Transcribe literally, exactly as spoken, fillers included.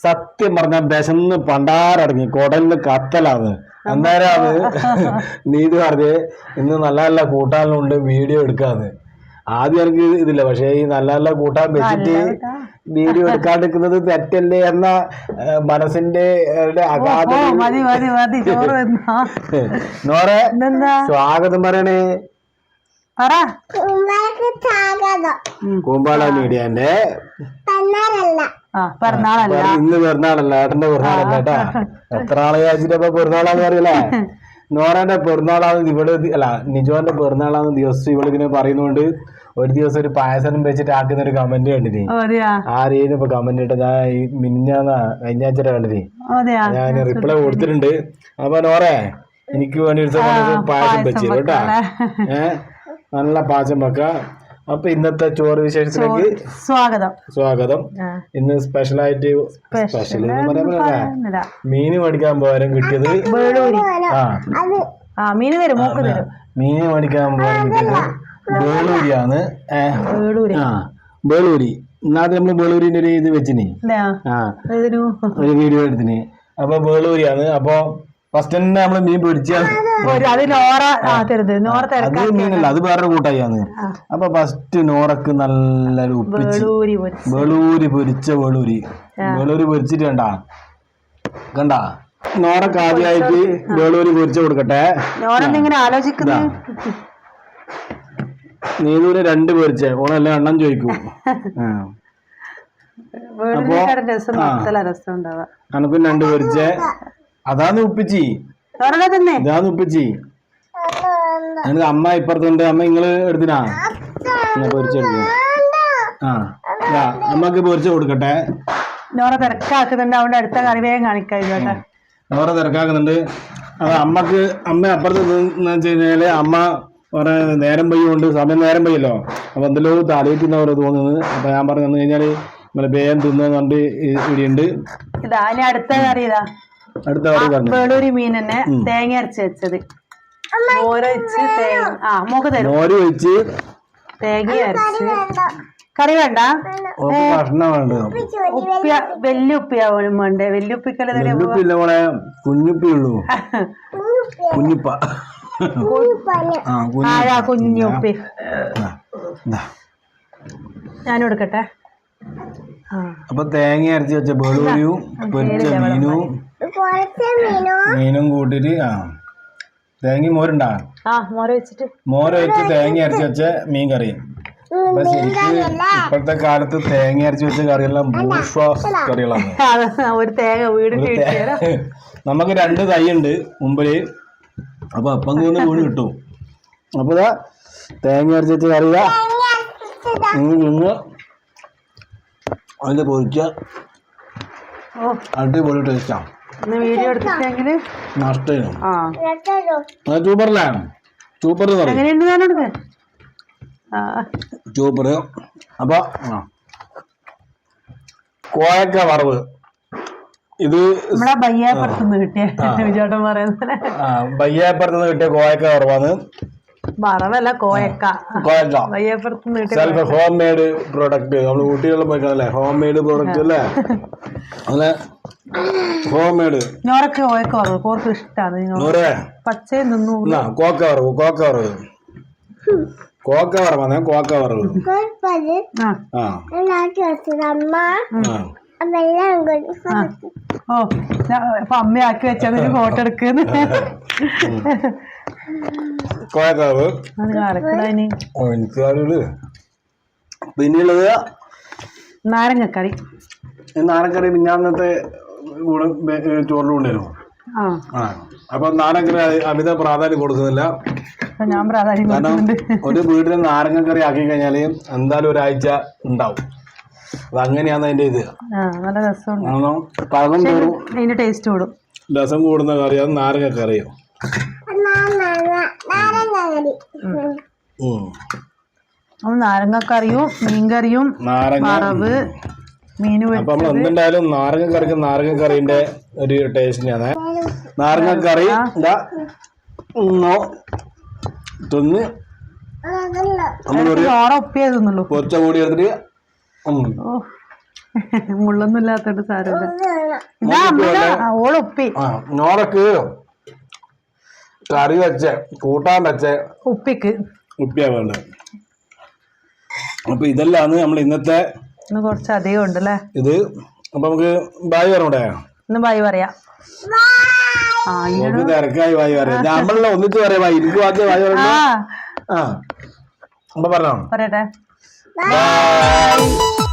സത്യം പറഞ്ഞ വിശന്ന് പണ്ടാറടങ്ങി കുടലിന് കത്തലാന്ന്. അന്നേരം അത് നീതി പറഞ്ഞ് ഇന്ന് നല്ല നല്ല കൂട്ടാനുണ്ട് വീഡിയോ എടുക്കാന്ന്. ആദ്യം എനിക്ക് ഇതില്ല, പക്ഷെ ഈ നല്ല നല്ല കൂട്ടാൻ വെച്ചിട്ട് വീഡിയോ എടുക്കാണ്ടിരിക്കുന്നത് തെറ്റല്ലേ എന്ന മനസ്സിന്റെ നോറെ സ്വാഗതം പറയണേ. കൂമ്പാള മീഡിയന്റെ ഇന്ന് പിറന്നാളല്ല, ഏട്ടന്റെ പിറന്നാളല്ല കേട്ടാ. എത്ര ആളെ വിചാരിച്ചിട്ടപ്പോ പിറന്നാളാന്ന് അറിയില്ലേ. നോറന്റെ പിറന്നാളാന്ന് ഇവിടെ അല്ല നിജോന്റെ പിറന്നാളാന്ന് ദിവസം ഇവളിങ്ങനെ പറയുന്നോണ്ട് ഒരു ദിവസം ഒരു പായസം വെച്ചിട്ട് ആക്കുന്ന ഒരു കമന്റ് കണ്ടിന്. ആരെയും ഇപ്പൊ കമന്റ് ഇട്ട ഞാൻ ഈ മിനിഞ്ഞാന്നാ കഴിഞ്ഞാഴ്ച കണ്ടിന്. ഞാൻ റിപ്ലൈ കൊടുത്തിട്ടുണ്ട്. അപ്പൊ നോറേ എനിക്ക് വേണ്ടി പായസം വെച്ചു കേട്ടാ. ഏഹ് നല്ല പാചകം വെക്ക. അപ്പൊ ഇന്നത്തെ ചോറ് വിശേഷത്തിലേക്ക് സ്വാഗതം സ്വാഗതം ഇന്ന് സ്പെഷ്യലായിട്ട് സ്പെഷ്യൽ എന്ന് പറയാൻ മീന് മേടിക്കാൻ പോകാനും കിട്ടിയത് ആ മീന് മീന് മേടിക്കാൻ പോകാൻ കിട്ടിയത് ബേളൂരിയാണ്. ആ ബേളൂരി ഇന്നാദ്യം നമ്മള് ബേളൂരിന്റെ ഒരു ഇത് വെച്ചിന്, ആ ഒരു വീഡിയോ എടുത്തിന്. അപ്പൊ ബേളൂരിയാണ്. അപ്പൊ ഫസ്റ്റ് തന്നെ നമ്മള് മീൻ പൊരിച്ചാണ്. അത് മീനല്ല, അത് വേറെ കൂട്ടായിന്ന്. അപ്പൊ ഫസ്റ്റ് നോറക്ക് നല്ല ഉപ്പിച്ച് വെളൂരി പൊരിച്ച വെളൂരി വെളൂരി പൊരിച്ചിട്ട് കണ്ടാ കണ്ടാ നോറക്ക് ആദ്യമായിട്ട് വെളൂരി പൊരിച്ച കൊടുക്കട്ടെ. നീതൂര് രണ്ട് പൊരിച്ചേ ഓളെല്ലാം എണ്ണം ചോദിക്കും. അപ്പൊ അനക്കും രണ്ട് പൊരിച്ചേ അതാന്ന് ഉപ്പിച്ചി ഇതാന്ന് ഉപ്പിച്ചി. എനിക്ക് അമ്മ ഇപ്പുറത്തുണ്ട്. അമ്മ നിങ്ങള് എടുത്തിനാ പൊരിച്ചെടുക്ക. ആ അമ്മക്ക് പൊരിച്ചു കൊടുക്കട്ടെ. നോറ തിരക്കാക്കുന്നുണ്ട്, അവിടെ അടുത്ത കറി വേഗം കാണിക്കാം. നോറ തിരക്കാക്കുന്നുണ്ട്. അത് അമ്മക്ക് അമ്മ അപ്പുറത്ത് വെച്ച് കഴിഞ്ഞാല് അമ്മ കുറെ നേരം പെയ്യുണ്ട്, സമയം നേരം പെയ്യല്ലോ. അപ്പൊ എന്തെല്ലോ തലയിക്കുന്ന പോലെ തോന്നുന്നത്. അപ്പൊ ഞാൻ പറഞ്ഞു തന്നു കഴിഞ്ഞാല് നിങ്ങള് വേഗം തിന്നു കണ്ട് ഇടിയുണ്ട്. ഇതാ അടുത്ത കറി ഇതാ അടുത്ത കറി പറഞ്ഞു വെളൂരി മീൻ തന്നെ തേങ്ങ അരച്ച് വെച്ചത്. മോര് ഒഴിച്ച് തേങ്ങ അരച്ച് കറി വേണ്ട, കഷ്ണം വേണ്ട. ഉപ്പി വലിയ ഉപ്പിയാവും വേണ്ടേ? വലിയ ഉപ്പിക്കല്ലേ കുഞ്ഞുപ്പി ഉള്ളൂ. കുഞ്ഞുപ്പ കുഞ്ഞുപ്പി ഞാൻ കൊടുക്കട്ടെ. അപ്പൊ തേങ്ങ അരച്ച് വെച്ച ബേളൂരിയും പൊരിച്ച മീനും മീനും കൂട്ടിട്ട് ആ തേങ്ങ മോരുണ്ടാ മോര് വെച്ച് തേങ്ങ അരച്ച് വെച്ച മീൻ കറി. അപ്പൊ ശരിക്ക് ഇപ്പോഴത്തെ കാലത്ത് തേങ്ങ അരച്ച് വെച്ച കറിയെല്ലാം ബൂഷ്വാസ് കറികളാണ്. നമുക്ക് രണ്ട് തൈ ഉണ്ട് മുമ്പില്. അപ്പൊ അപ്പം കൊണ്ട് വീണ് കിട്ടും. അപ്പൊ ഇതാ തേങ്ങ അരച്ച് വെച്ച കറി ഇന്ന് അതിന്റെ പൊരിച്ച അടിപൊളി ടേസ്റ്റാ. നഷ്ടം സൂപ്പറല്ലേ? Super super. അപ്പൊ കോയക്ക വറവ് ഇത് ബയ്യാപ്പുറത്തുനിന്ന് കിട്ടിയ ബയ്യാപ്പുറത്തുനിന്ന് കിട്ടിയ കോയക്ക വറവാണ്. വറവല്ല കോയക്ക. Self home made product. നമ്മള് കുട്ടികളിൽ പോയിക്കാണല്ലേ ഹോം മെയ്ഡ് പ്രോഡക്റ്റ് അല്ലേ? അങ്ങനെ ഹോം മെയ്ഡ് ഞോറൊക്കെ കോയക്ക വറവ് കോർക്ക് ഇഷ്ടമാണ്. പച്ചയും തിന്നു കോക്ക വറവ് കോക്ക വറവ് കോക്ക വറവാണ് കോക്ക വറവ്. ആ ഓ അപ്പൊ അമ്മയാക്കി വെച്ചത് ഫോട്ടോ എടുക്കുന്നു. കോയക്കാവ് പിന്നെയുള്ളത് നാരങ്ങക്കറി. നാരങ്ങക്കറി മിഞ്ഞാന്നത്തെ കൂടെ ചോറിലും ഉണ്ടായിരുന്നു. ആ അപ്പൊ നാരങ്ങക്കറി അമിത പ്രാധാന്യം കൊടുക്കുന്നില്ല. ഞാൻ പ്രാധാന്യം കാരണം ഒരു വീട്ടിൽ നാരങ്ങക്കറി ആക്കി കഴിഞ്ഞാല് എന്തായാലും ഒരാഴ്ച ഉണ്ടാവും. അതങ്ങനെയാണ് അതിന്റെ ഇത്. നല്ല രസം പഴം ടേസ്റ്റ് കൂടും. രസം കൂടുന്ന കറിയാണ് നാരങ്ങക്കറിയോ. നാരങ്ങക്കറിയും മീൻകറിയും വറവ് മീന്. അപ്പൊ നമ്മൾ എന്തുണ്ടായാലും നാരങ്ങക്കറിക്ക് നാരങ്ങക്കറിന്റെ ഒരു ടേസ്റ്റിനാണ്. നാരങ്ങക്കറി തിന്ന് ഉപ്പിയേ തിന്നുള്ളൂ. കുറച്ച കൂടി എടുത്തിട്ട് മുള്ളൊന്നും ഇല്ലാത്തോണ്ട് സാരമില്ല. ഇതാ അമ്മ ഓളുപ്പി ആ നോറക്ക് കറി വെച്ച കൂട്ടാൻ വെച്ച ഉപ്പിക്ക് ഉപ്പിയാ വേണ്ടത്. അപ്പൊ ഇതെല്ലാന്ന് നമ്മൾ ഇന്നത്തെ ഇന്ന് കുറച്ച് അധികം ഉണ്ട് അല്ലേ ഇത്. അപ്പൊ നമുക്ക് ബായ് പറഞ്ഞൂടെ? ഇന്ന് ബായ് പറയാം. തിരക്കായി ബായ് പറയാം. നമ്മളെ ഒന്നിച്ച് പറയാം ബായ്. എനിക്ക് ബാക്കി ബായ് പറഞ്ഞു. ആ അപ്പൊ പറഞ്ഞോ പറയട്ടെ.